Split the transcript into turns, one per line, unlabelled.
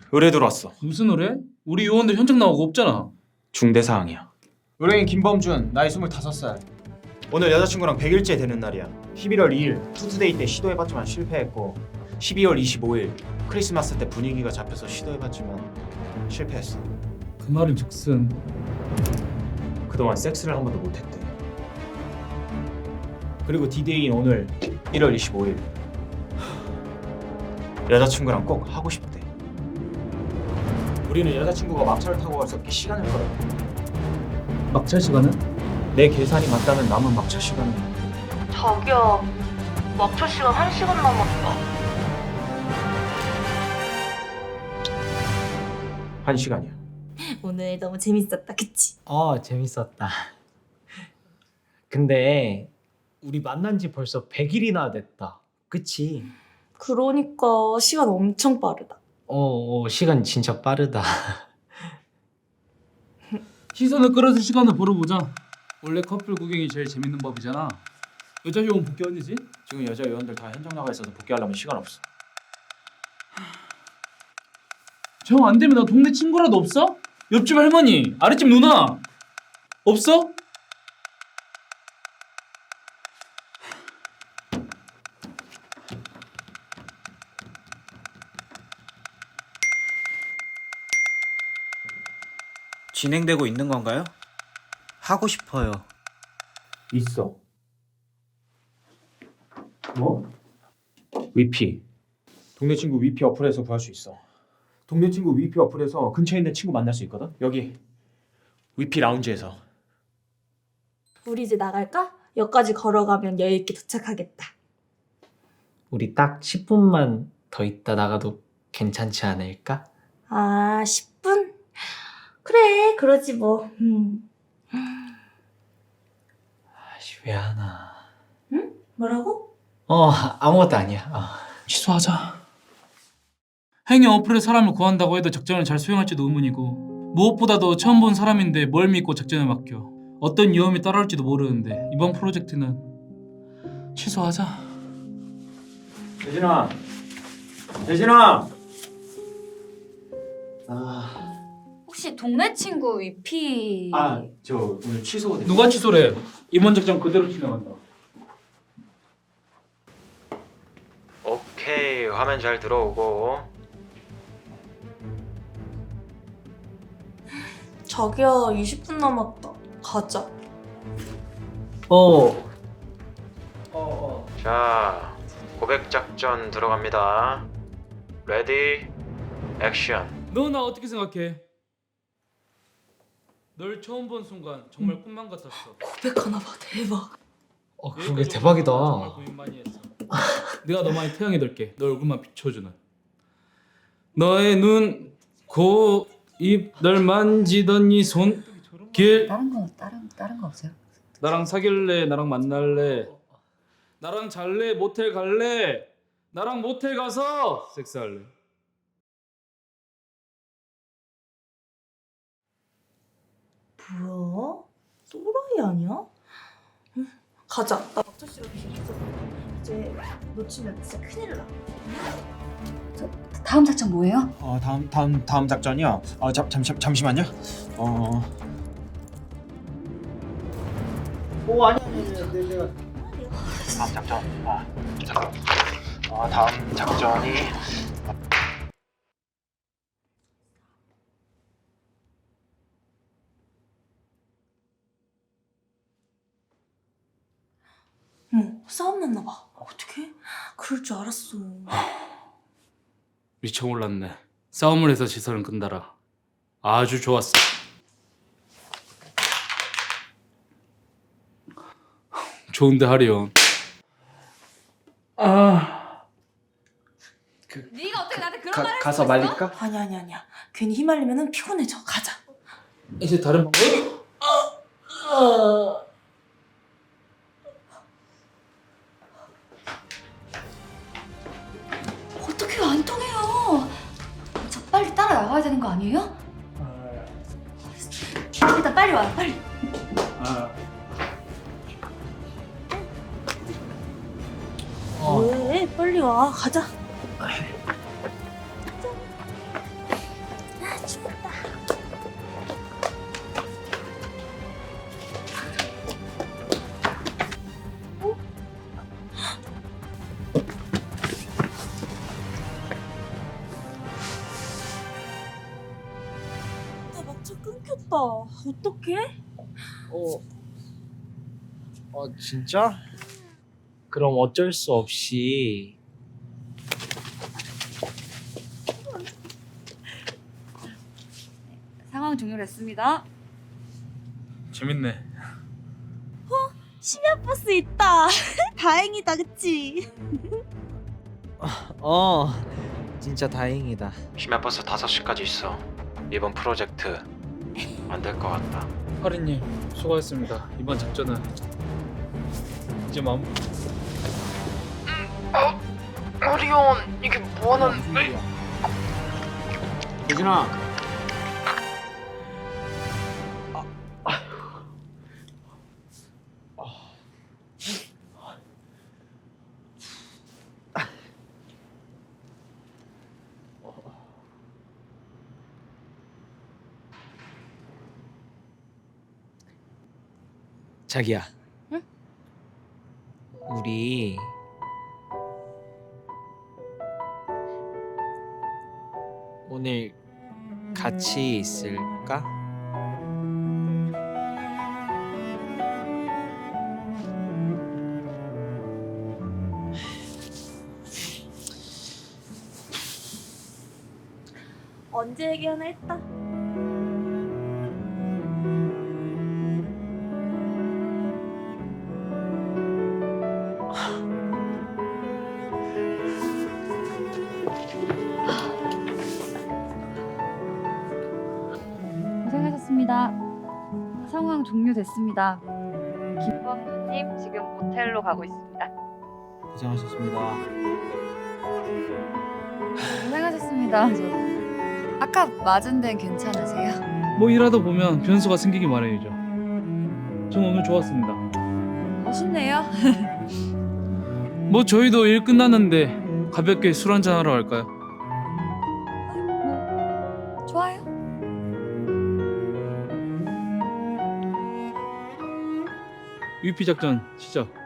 의뢰 들어왔어.
무슨 의뢰? 우리 요원들 현장 나오고 없잖아.
중대 사항이야.
의뢰인 김범준, 나이 25살.
오늘 여자친구랑 100일째 되는 날이야. 11월 2일 투스데이 때 시도해봤지만 실패했고 12월 25일 크리스마스 때 분위기가 잡혀서 시도해봤지만 실패했어.
그 말은 즉슨
그동안 섹스를 한 번도 못했대. 그리고 디데이인 오늘 1월 25일 여자친구랑 꼭 하고 싶대. 우리는 여자친구가 막차를 타고 가서 시간을 끌어.
막차 시간은?
내 계산이 맞다면 남은 막차 시간은
자기야, 막차 시간 1시간 남았다.
1시간이야.
오늘 너무 재밌었다, 그치?
재밌었다. 근데 우리 만난 지 벌써 100일이나 됐다. 그치?
그러니까 시간 엄청 빠르다.
시간 진짜 빠르다.
시선을 끌어줄 시간을 벌어보자. 원래 커플 구경이 제일 재밌는 법이잖아. 여자 요원 복귀 언제지?
지금 여자 요원들 다 현장 나가 있어서 복귀하려면 시간 없어.
정 안 되면 나 동네 친구라도 없어? 옆집 할머니, 아랫집 누나 없어?
진행되고 있는 건가요? 하고 싶어요.
있어.
뭐?
위피. 동네 친구 위피 어플에서 구할 수 있어. 동네 친구 위피 어플에서 근처에 있는 친구 만날 수 있거든. 여기 위피 라운지에서.
우리 이제 나갈까? 역까지 걸어가면 여유 있게 도착하겠다.
우리 딱 10분만 더 있다 나가도 괜찮지 않을까?
아, 10분? 그래, 그러지 뭐.
왜 하나?
뭐라고?
아무것도 아니야.
취소하자. 행위 어플에 사람을 구한다고 해도 작전을 잘 수행할지도 의문이고 무엇보다도 처음 본 사람인데 뭘 믿고 작전을 맡겨. 어떤 위험이 따라올지도 모르는데 이번 프로젝트는 취소하자.
대진아. 대진아.
혹시 동네 친구 위피...
저 오늘 취소가
누가 취소래? 이번 작전 그대로 진행한다.
오케이, 화면 잘 들어오고.
자기야, 20분 남았다. 가자.
자, 고백 작전 들어갑니다. 레디, 액션.
너 나 어떻게 생각해? 널 처음 본 순간 정말 꿈만 같았어.
고백하나 봐, 대박.
그게 대박이다.
정말 고민 많이 했어. 내가 너 많이 태양이 될게. 너 얼굴만 비춰주는. 너의 눈, 코, 입, 널 만지던 이 손, 길.
다른 거 없어요?
나랑 사귈래? 나랑 만날래? 나랑 잘래? 모텔 갈래? 나랑 모텔 가서 섹스할래?
뭐야? 또라이 아니야? 가자. 나 막차 시간 비었어. 이제 놓치면 진짜 큰일 나.
다음 작전 뭐예요?
다음 작전이요. 잠시만요. 다음 작전. 잠깐. 다음 작전이
싸움 났나 봐. 어떡해? 그럴 줄 알았어.
미쳐몰랐네. 싸움을 해서 시선을 끈다라. 아주 좋았어. 좋은데 하리온.
네가 어떻게 나한테 그런 말을
가서 말릴까?
아니야. 괜히 휘말리면 피곤해져. 가자.
이제 다른 방법이?
어떻게 안 통해요? 저 빨리 따라 나가야 되는 거 아니에요? 일단 빨리 와요, 빨리.
왜? 빨리 와. 가자. 끊겼다. 어떡해?
진짜? 그럼 어쩔 수 없이
상황 종료됐습니다.
재밌네.
심야버스 있다. 다행이다, 그치?
진짜 다행이다.
심야버스 5시까지 있어. 이번 프로젝트 안 될 것 같다.
하리님 수고하셨습니다. 이번 작전은 이제 마무.
예진아.
자기야.
응?
우리 오늘 같이 있을까?
언제 얘기하나 했다.
고생하셨습니다. 상황 종료됐습니다. 김범주님 지금 모텔로 가고 있습니다.
고생하셨습니다.
고생하셨습니다. 아까 맞은 데는 괜찮으세요?
뭐 일하다 보면 변수가 생기기 마련이죠. 전 오늘 좋았습니다.
멋있네요.
뭐 저희도 일 끝났는데 가볍게 술 한잔 하러 갈까요?
좋아요.
UP 작전 시작.